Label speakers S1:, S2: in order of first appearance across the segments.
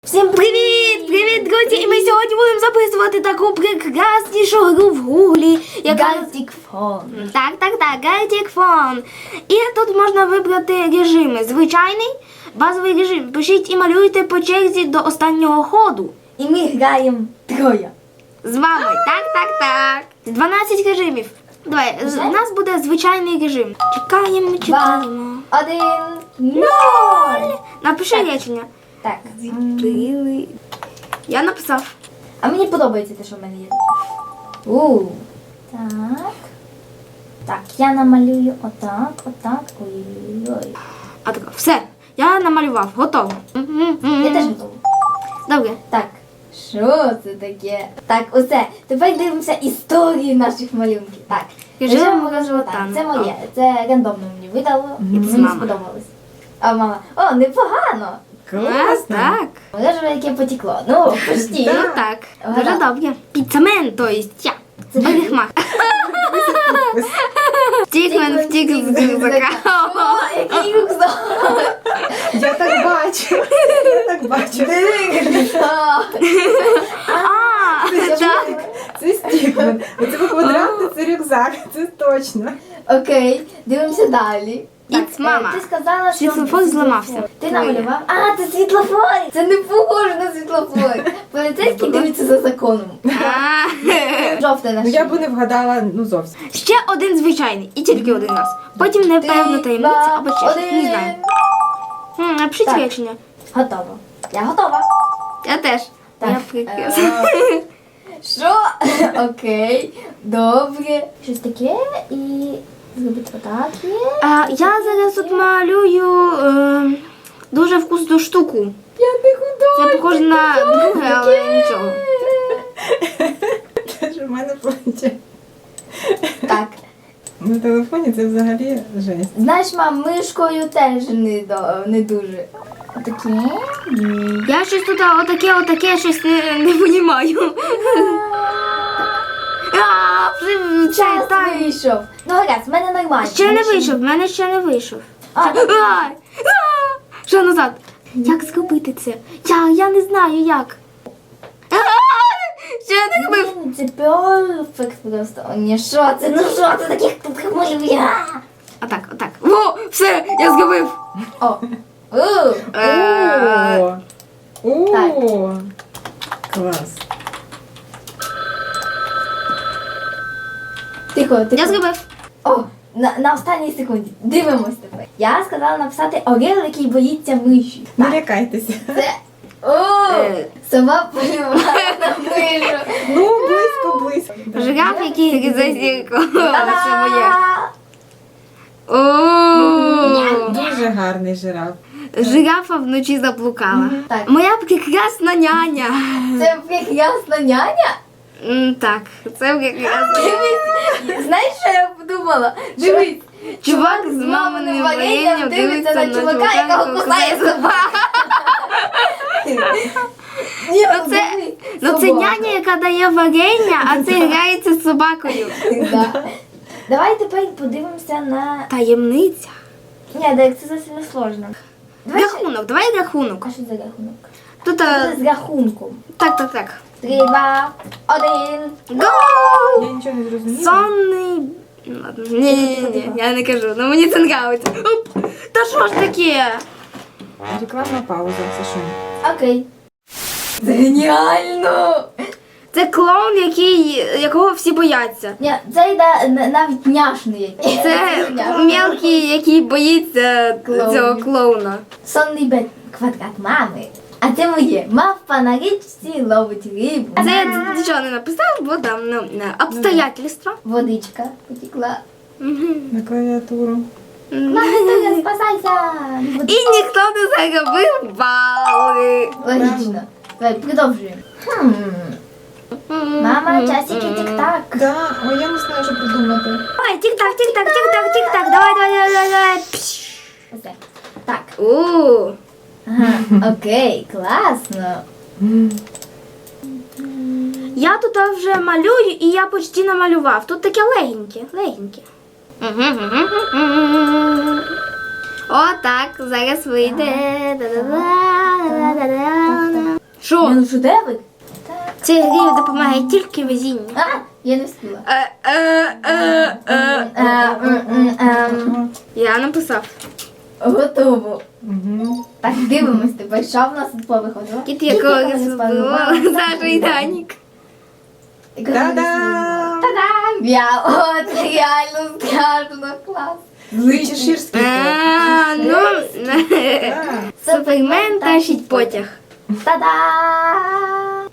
S1: Всім привіт! Привіт, друзі! І ми сьогодні будемо записувати таку прекраснішу гру в гуглі, яка...
S2: Gartic Phone.
S1: Так, Gartic Phone. І тут можна вибрати режими. Звичайний, базовий режим. Пишіть і малюйте по черзі до останнього ходу.
S2: І ми граємо троє.
S1: З вами. Так. 12 режимів. Давай, у нас буде звичайний режим. Чекаємо.
S2: 2, 1, 0!
S1: Напиши речення.
S2: Так.
S1: Я написав.
S2: А мені подобається те, що в мене є. Так. Так, я намалюю отак. Ой-ой-ой.
S1: А так, все. Я намалював. Готово.
S2: Я теж готова.
S1: Добре.
S2: Так. Що це таке? Так, усе. Тепер дивимося історію наших малюнків. Так.
S1: Режим
S2: мого
S1: живота.
S2: Так, це моє. Це рандомно мені видало. І
S1: Це
S2: мені
S1: мама.
S2: сподобалось. А мама, о, непогано.
S1: Класно. Так.
S2: Може, яке потекло. Ну, почти.
S1: Так.
S2: Ага.
S1: Дуже добре. Піцамен, то есть я.
S2: Це
S1: Берегмах. Втікмен, втік з рюкзака.
S2: О, який рюкзак!
S3: Я так бачу.
S1: А, так.
S3: Це Стігман. Оце квадратний, це рюкзак, це точно.
S2: Окей, дивимося далі.
S1: Іц, мама.
S2: Ти сказала, що
S1: Світлофор зламався.
S2: Ти намалював? А, це світлофор! Це не похоже на світлофор. Поліцейський дивиться за законом.
S1: А.
S2: Жовте на
S3: Ну я
S2: шиї.
S3: б не вгадала, ну зовсім.
S1: Ще один звичайний. І тільки один раз. Потім непевна таємниця або ще щось. Не знаю. Напишіть
S2: Так.
S1: речення.
S2: Готово. Я готова.
S1: Я теж.
S2: Так.
S1: Я прекрасна.
S2: Що? Окей, добре. Щось таке і зробити отак є.
S1: Я зараз тут малюю дуже вкусну штуку.
S2: Я не художник.
S1: Це похоже на друге, але нічого.
S3: Це ж в мене плаче.
S2: Так.
S3: На телефоні це взагалі жесть.
S2: Знаєш, мам, мишкою теж не дуже. Отакі.
S1: Я щось тут отаке щось не понімаю. Вже
S2: Час
S1: так.
S2: вийшов. Ну, гаразд, в мене нормально.
S1: Ще не вийшов, в мене ще не вийшов.
S2: А,
S1: Ай! Що назад? Як зробити це? Я не знаю як. Ще не робив.
S2: блін, це перфект просто. О, ні, що це? Ну що це таких тут малює?
S1: Отак. О, все, я зробив.
S2: О.
S3: О!
S2: Так.
S3: О! Клас.
S2: Тихо.
S1: Я зробив.
S2: О, на останній секунді. Дивимось тепер. Я сказала написати орел, який боїться миші.
S3: Не лякайтеся.
S2: Це... О, сова полювала на мишу.
S3: Ну, близько.
S1: Жираф, який гризе зірку. Це моє.
S2: Та-да!
S1: О,
S3: Дуже гарний жираф.
S1: жирафа вночі заблукала.
S2: Так.
S1: Моя прекрасна няня.
S2: Це прекрасна няня?
S1: Так, це прекрасна.
S2: Дивись, знаєш, що я подумала? Дивись.
S1: Чувак з маминим варенням дивиться на чувака,
S2: якого кусає собака. Ні,
S1: Ну це няня, яка дає варення, а це грається з собакою.
S2: Да. Давай тепер подивимося на...
S1: Таємниця.
S2: Ні, так це зовсім не сложно.
S1: Давай рахунок.
S2: А що за рахунок?
S1: Тут
S2: Це з рахунком.
S1: так.
S2: 3, 2, 1.
S1: Гоу!
S3: Я нічого не зрозуміла.
S1: Сонний. Ладно. Ні, я не кажу, ну мені це нравиться. Оп! Та що ж таке?
S3: Рекламна пауза, це що?
S2: Окей. Це геніально!
S1: Це клоун, якого всі бояться.
S2: Ні, це йде навіть няшний якийсь.
S1: Це мелкий, який боїться цього клоуна.
S2: Сонний квадрат мами. А це моє. Мавпа на річці ловить рибу.
S1: Це я нічого не написав, бо там обстоятельства.
S2: Водичка потекла.
S3: На клавіатуру.
S2: Настя, спасайся!
S1: І ніхто не заробив бали.
S2: Логічно. Давай, продовжуємо. Мама, часики тік-так.
S3: Да, ой, я не знаю, що придумати.
S1: Давай, тік-так. Давай. Пш.
S2: Оце. Так.
S1: Ага.
S2: Окей, класно.
S1: Я тут вже малюю і я почти намалював. Тут таке легеньке. Отак, зараз вийде. Що?
S2: Ну шедевр?
S1: Цій грі допомагає тільки везіння.
S2: А, я не встигла.
S1: Я написав.
S2: Готово.
S3: Угу.
S2: Так, дивимось тепер, що в нас тут повиходило.
S1: Кіт якого розбила Саша і Данік.
S3: Та-дам!
S2: Та-дам! Я, о, це реально страшно, клас.
S3: Злий чеширський кот.
S1: Ну,
S3: Так.
S1: Супермен тащить потяг.
S2: Та-дам!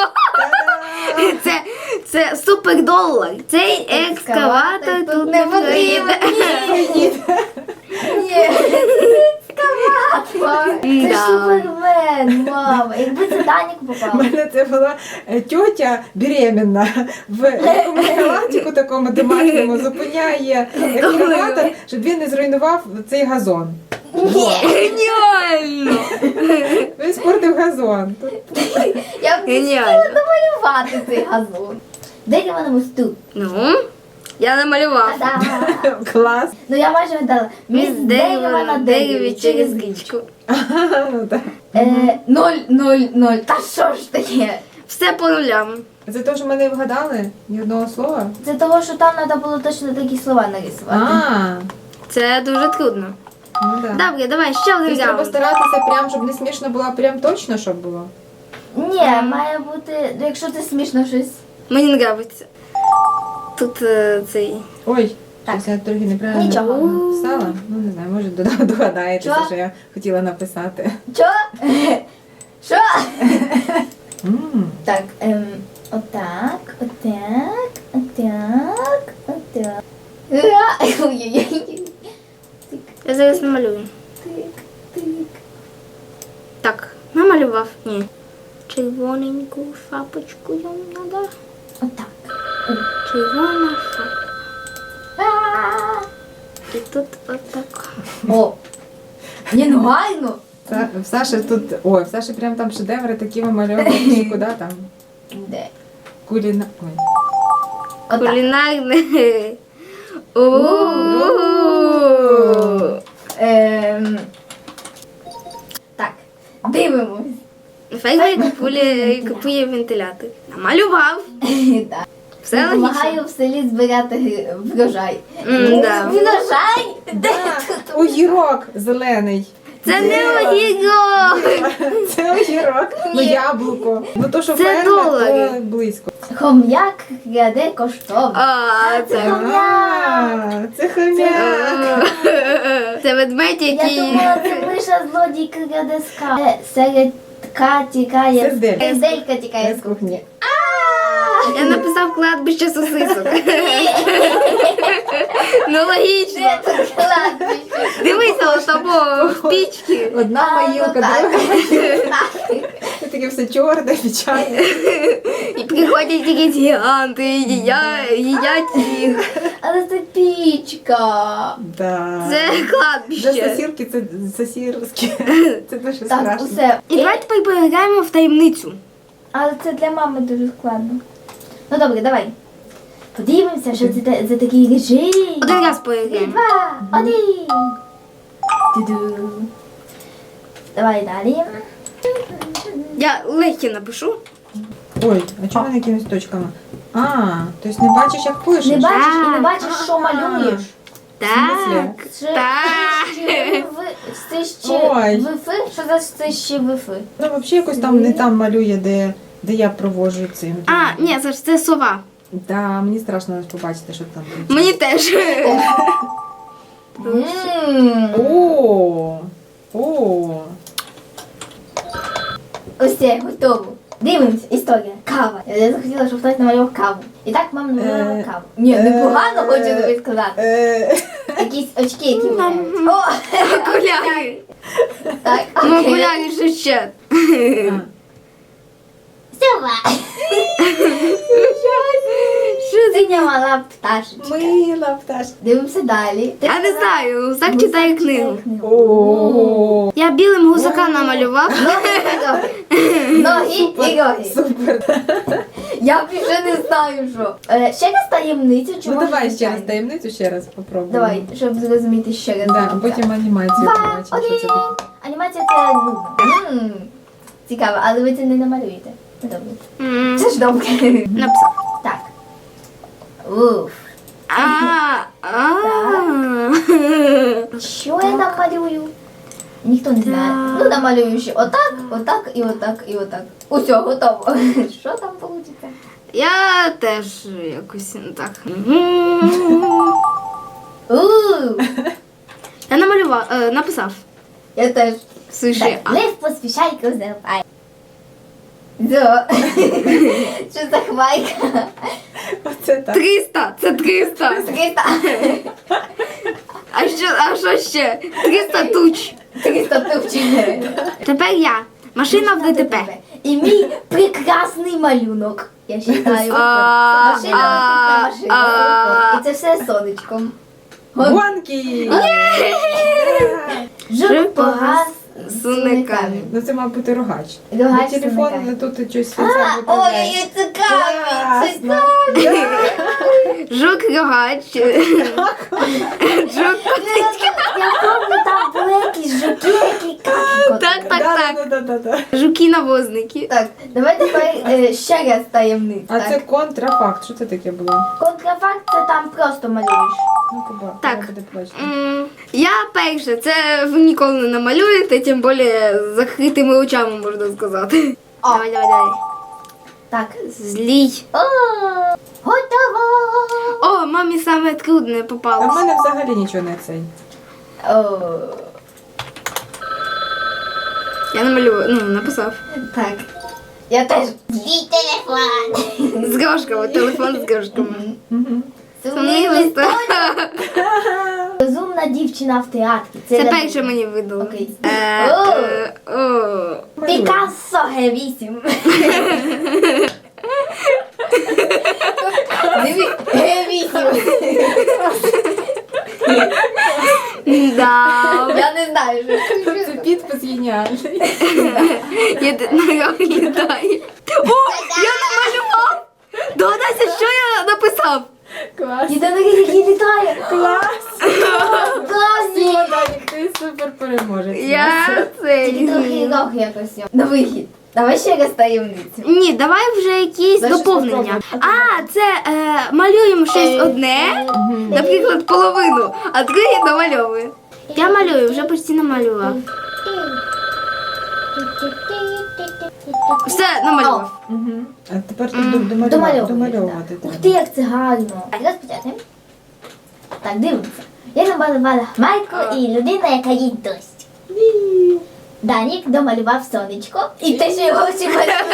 S1: Це супердолар. Цей екскаватор тут не потрібен.
S2: Ні. Ні. Екскаватор. Це
S1: Да.
S2: Супермен, мама. Якби це Данік
S3: У
S2: попав.
S3: мене це була тьотя беременна в якомусь халатику такому домашньому зупиняє екскаватор, щоб він не зруйнував цей газон.
S1: Геніально!
S3: Він спортив газон.
S2: Я б не
S1: Геніально.
S2: хотіла намалювати цей газон. Де я на мосту?
S1: Ну, я намалював.
S2: Та-дам!
S3: Клас.
S2: Ну я майже гадала.
S1: Міс дерева на дереві через річку.
S3: Ну, так.
S2: 0. Та що ж таке?
S1: Все по нулям.
S3: Це те, що ми не вгадали? Ні одного слова?
S2: Це того, що там треба було точно такі слова нарисувати.
S3: А,
S1: Це дуже трудно.
S3: ну так.
S1: Добре, давай ще один
S3: Тобто треба
S1: раунд.
S3: старатися прям, щоб не смішно було, а прям точно, щоб було.
S2: Ні, має бути, якщо це смішно щось.
S1: Мені подобається. Тут цей.
S3: Ой,
S2: Так.
S3: щось я трохи неправильно
S2: Нічого.
S3: написала. Ну не знаю, може догадаєтеся,
S2: Що?
S3: що я хотіла написати.
S2: Що? Що?
S3: М.
S2: Так, отак, отак. Ой-ой-ой.
S1: Я зараз намалюю.
S2: Тик.
S1: Так, намалював. Ні. Червоненьку шапочку йому треба.
S2: Отак.
S1: Червона шапка.
S2: А.
S1: І тут отак.
S2: О. Ні, ну гарно.
S3: В Саші тут, ой, в Саші прям там шедеври такі вимальовані, куди там?
S2: Де?
S3: Куліна. Ой.
S2: Отак.
S1: Кулінарне. У-у-у.
S2: Так, дивимось.
S1: Фейвей купує вентилятор. Намалював.
S2: Так.
S1: Все логічно.
S2: Допомагаю в селі збирати врожай.
S1: Да.
S2: Врожай? Де тут?
S3: Огірок зелений.
S1: Це не огірок.
S3: Це огірок. Ну
S2: Ні.
S3: яблуко. Ну то, що
S1: Це
S3: фермер,
S1: долари.
S3: то близько.
S2: Хом'як краде коштовно.
S1: А, це.
S3: А, це хомяк.
S1: Це ведмедь,
S2: Я
S1: який.
S2: думала, це лише злодій краде скарб. Середка тікає.
S3: Серделька.
S2: Серделька тікає
S3: З кухні.
S1: Я написав кладбище сосисок. Ну логічно.
S2: Де тут кладбище?
S1: Дивися, ось того в пічці.
S3: Одна
S2: А,
S3: моїлка,
S2: ну так.
S3: друга моїлка. Це таке все чорне, печальне.
S1: І приходять якісь гіганти, і їдять їх.
S2: Але це пічка.
S3: Да.
S1: Це
S3: Для
S1: кладбище.
S3: сосірки це сосірське. Це дуже
S2: Так,
S3: страшно.
S2: усе.
S1: І давай тепер поіграємо в таємницю.
S2: Але це для мами дуже складно. Ну добре, давай. Подивимося, що це за такий режим.
S1: Один раз поіграємо.
S2: 2, 1. Ту-ду. Давай далі.
S1: Я легкі напишу.
S3: Ой, а чому вони якимись точками? А, тобто не бачиш, як пишеш?
S2: Не бачиш і не
S1: Так.
S2: бачиш, що малюєш.
S1: Так.
S2: Це
S1: Так.
S2: це ще
S3: Ой.
S2: вифи? Що за це ще вифи?
S3: Ну, взагалі якось там не там малює, де я проводжу цим.
S1: А, ні, це сова.
S3: Да, мені страшно побачити, що там. буде.
S1: Мені теж.
S3: О.
S2: Ось це, готово. Дивимось, історія. Кава. Я захотіла, щоб хтось намалював каву. І так мама намалювала каву. Ні, непогано хочу тобі сказати. Якісь очки, які виявляють. О,
S1: Окуляри.
S2: так,
S1: Ну,
S2: окей.
S1: окуляри ще ще.
S2: Сова.
S1: Що це?
S2: Синя мала пташечка.
S3: Мила пташка.
S2: Дивимося далі.
S1: Я не знаю, так читає книгу.
S3: О.
S1: Я білим гусака намалював.
S2: Ноги і роги.
S3: Супер.
S2: Я більше не знаю, що. Ще раз таємницю чи
S3: Ну
S2: може
S3: давай ще раз
S2: звичайну?
S3: таємницю, ще раз попробуємо.
S2: Давай, щоб зрозуміти ще раз.
S3: Да, а потім анімацію
S2: Два,
S3: побачимо, що це таке.
S2: один. Анімація це нудно. Цікаво, але ви це не намалюєте. Ну, добре. Це ж добре.
S1: Написав.
S2: Так. Уф. Що я там малюю? Ніхто не знає.
S1: Так.
S2: Ну, намалюю ще отак, отак і отак і отак. Усьо, готово. Що там вийде?
S1: Я теж якось не так. Я намалював, написав.
S2: Я теж.
S1: Слушай,
S2: Так, лев поспішай козирпай. Що за хвайка?
S3: Оце так.
S1: 300, це 300.
S2: 300.
S1: А що ще? 300 туч.
S2: 300 тупче.
S1: Тепер я. Машина в ДТП.
S2: І мій прекрасний малюнок. Я вважаю. Машина машина. І це все сонечком.
S3: Гонки!
S2: Жук погас з суниками.
S3: Ну це мав бути рогач.
S2: Рогач
S3: На
S2: з
S3: телефон
S2: суниками.
S3: тут щось
S2: Ой, цікаві, це
S1: Жук рогач. Жук.
S2: Я пам'ятаю, там були якісь жуки, які
S1: Так. Жуки-навозники.
S2: Так, давай тепер ще раз таємницю.
S3: А це контрафакт. Що це таке було?
S2: Контрафакт це там просто малюєш.
S3: Ну, побачимо.
S1: Так.
S3: Буде плачити.
S1: Я перше, це ви ніколи не намалюєте, тим більше з закритими очами, можна сказати.
S2: О.
S1: Давай.
S2: Так.
S1: Злій.
S2: О, готово!
S1: О, мамі саме трудне
S3: А в
S1: попалось.
S3: мене взагалі нічого не цей.
S2: О,
S1: Я намалював, написав.
S2: так. Я теж. Злій телефон.
S1: З грошками, телефон з грошками.
S2: Сумний листочок. Розумна дівчина в театрі.
S1: Це
S2: для-
S1: перше мені видало.
S2: Окей.
S1: О.
S2: Пікассо Г8. Диві, Г8.
S1: Да.
S2: Я не знаю, що
S3: Це підпис геніальний.
S1: Літає. О, я намалював! Догадайся, що я написав?
S3: Клас.
S2: Єдиний, який літає.
S3: Клас.
S2: Класні.
S3: Данік, ти супер переможець.
S1: Я це.
S2: Тільки трохи рог якось. На вихід. Давай ще раз таємницю.
S1: Ні, давай вже якісь
S3: Дай щось
S1: доповнення.
S3: попробуй.
S1: А, це малюємо щось одне, наприклад, половину, а друге домальовує. Я малюю, вже почти намалював. Все, намалював.
S3: Мгм. А тепер тут домальовувати
S2: Ух ти,
S3: треба.
S2: як це гарно. Так, розпочати. Так, дивимося. Я намалювала хмарку і людина, яка їсть дощ. Данік домалював сонечко і те, що його всі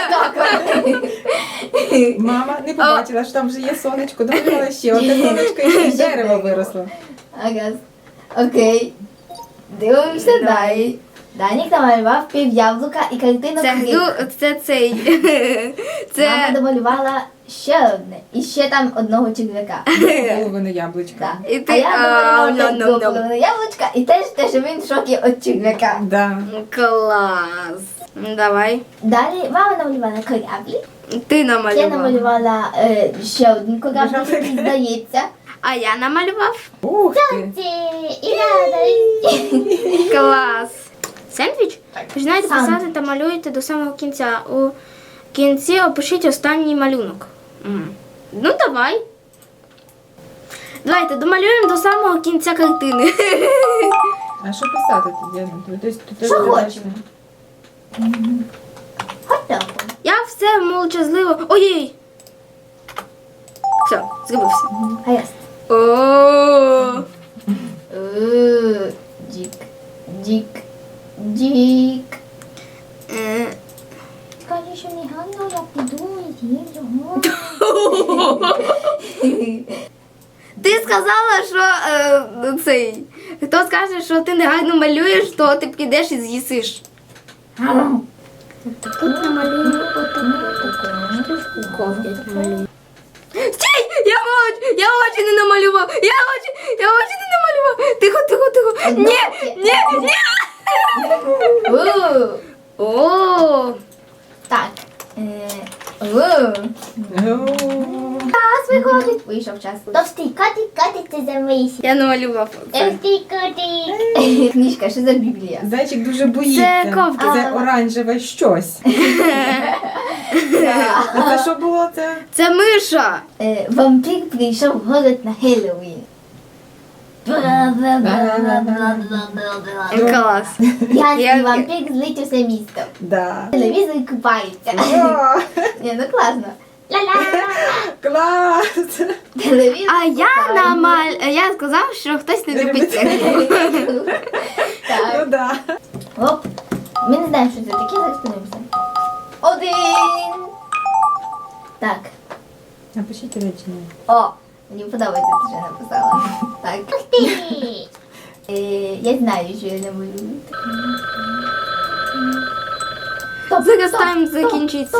S2: малювали.
S3: Мама не побачила, що там вже є сонечко, домалювала ще одне сонечко і ще дерево виросло.
S2: Ага. Окей. Дивимося далі. Данік намалював пів яблука і картину
S1: Це цей.
S2: Мама
S1: Це.
S2: домалювала ще одне. І ще там одного черв'яка.
S3: Половину яблучка.
S2: Так.
S1: І ти-
S2: А я домалювала
S1: ном-ном-ном.
S2: другу половину яблучка і теж те, що він в шокі від черв'яка.
S3: Да.
S1: Клас. Давай.
S2: Далі мама намалювала кораблі.
S1: Ти
S2: Я
S1: намалював.
S2: намалювала ще один корабль, який здається.
S1: А я намалював.
S3: Ух ти.
S2: І радость.
S1: Клас. Сендвіч? Починайте
S2: Сандвіч.
S1: писати та малюйте до самого кінця. У кінці опишіть останній малюнок. Ну, давай. Давайте домалюємо до самого кінця картини.
S3: А що писати тоді? Тут
S2: Що
S3: бачимо.
S2: хочемо? Готово.
S1: Я все мовчазливо. Ой! Все, зробився.
S2: Гаразд.
S1: О.
S2: Дік. Дік. Дік.
S1: Е,
S2: Скажи, що негайно я піду і з'їм його.
S1: Ти сказала, що цей. Хто скаже, що ти негарно малюєш, то ти підеш і з'їсиш. Тут намалюю. Стій! Я очі не намалював! Я очі не намалював! Тихо! Ні!
S2: У.
S1: О!
S2: Так. Час виходить. Вийшов час. Товстий котик котиться за мисі.
S1: Я намалював це.
S2: Товстий котик. Книжка, що за Біблія?
S3: Зайчик дуже боїться.
S1: Це ковка.
S3: Це оранжеве щось. А це що було це?
S1: Це миша.
S2: Вампір прийшов в город на Хеллоуін.
S1: Клас.
S2: Гігантський вампір злить усе місто.
S3: Да.
S2: Телевізор купається.
S3: О,
S2: Ні, ну класно. Ла-ла!
S3: клас!
S2: Телевізор
S1: А я я сказав, що хтось не любить це.
S3: Ну
S2: Так.
S3: да.
S2: Оп. Ми не знаємо, що це таке, зараз подивимося. 1. Так.
S3: Напишіть речення.
S2: О, мені подобається, ти вже написала. Так. Ух ти! Я знаю, що я не малюю.
S1: Зараз тайм закінчиться.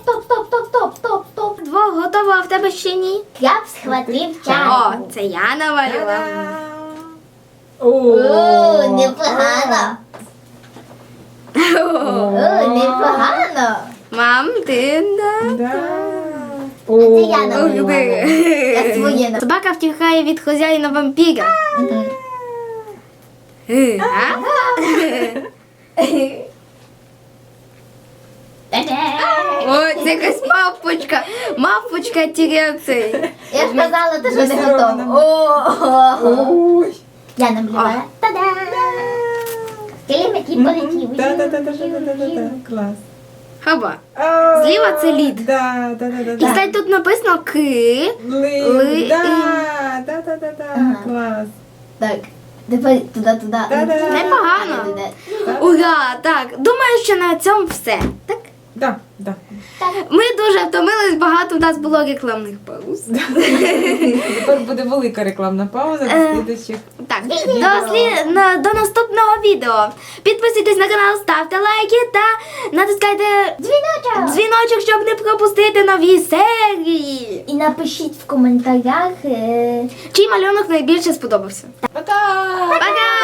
S2: Стоп.
S1: Двох готово, а в тебе ще ні?
S2: Я б схватив
S1: О,
S2: чайку.
S1: це я намалював.
S2: О, непогано. О, непогано.
S1: Мам, ти
S3: Да.
S2: Це я
S3: О,
S2: намалювала. Я своє на.
S1: Собака втікає від хазяїна вампіра. А? О, це якась мавпочка. Мавпочка тіряє цей.
S2: Я ж казала, ти що не
S3: Зачарована.
S2: готова.
S3: Ой.
S2: Я намалювала. Та-да! Килим, який полетів.
S3: Да. Клас.
S1: Хаба.
S3: А,
S1: Зліва це лід.
S3: Да.
S1: І, кстати, тут написано ки.
S3: Лид. Да.
S2: Ага.
S3: Клас.
S2: Так, тепер туди.
S3: Та-да.
S1: Непогано.
S3: Да.
S1: Ура, так. Думаю, що на цьому все. Так?
S3: Да.
S1: Ми дуже втомились, багато у нас було рекламних пауз.
S3: Тепер буде велика рекламна пауза до слідуючих.
S1: Так, до наступного відео. Підписуйтесь на канал, ставте лайки та натискайте дзвіночок, щоб не пропустити нові серії.
S2: І напишіть в коментарях.
S1: Чий малюнок найбільше сподобався?
S3: Пока!
S1: Пока!